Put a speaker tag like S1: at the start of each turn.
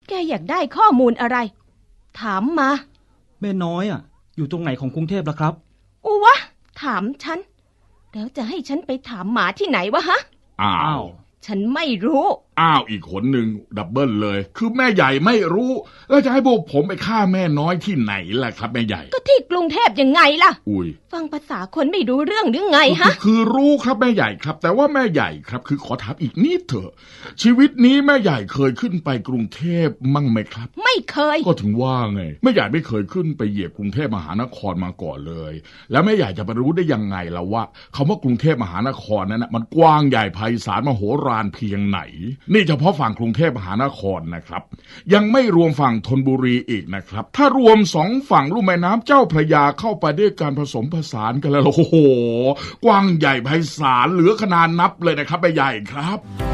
S1: แกอยากได้ข้อมูลอะไรถามมา
S2: แม่น้อยอยู่ตรงไหนของกรุงเทพล่ะครับ
S1: อุวะถามฉันแล้วจะให้ฉันไปถามหมาที่ไหนวะฮะ
S3: อ้าว
S1: ฉันไม่รู้
S3: อีกคนหนึ่งดับเบิลเลยคือแม่ใหญ่ไม่รู้แล้วจะให้พวกผมไปฆ่าแม่น้อยที่ไหนล่ะครับแม่ใหญ่
S1: ก็ที่กรุงเทพยังไงล่ะ
S3: ฟั
S1: งภาษาคนไม่รู้เรื่องหรือไงฮะ
S3: คือรู้ครับแม่ใหญ่ครับแต่ว่าแม่ใหญ่ครับคือขอถามอีกนิดเถอะชีวิตนี้แม่ใหญ่เคยขึ้นไปกรุงเทพมั่งไหมครับ
S1: ไม่เคย
S3: ก็ถึงว่าไงแม่ใหญ่ไม่เคยขึ้นไปเหยียบกรุงเทพมหานครมาก่อนเลยแล้วแม่ใหญ่จะไปรู้ได้ยังไงล่ะว่าคำว่ากรุงเทพมหานครนั้นมันกว้างใหญ่ไพศาลมโหฬารเพียงไหนนี่เฉพาะฝั่งกรุงเทพมหานครนะครับยังไม่รวมฝั่งธนบุรีอีกนะครับถ้ารวม2ฝั่งลุ่มแม่น้ำเจ้าพระยาเข้าไปด้วยการผสมผสานกันแล้วโอ้โหกว้างใหญ่ไพศาลเหลือขนาดนับเลยนะครับแม่ใหญ่ครับ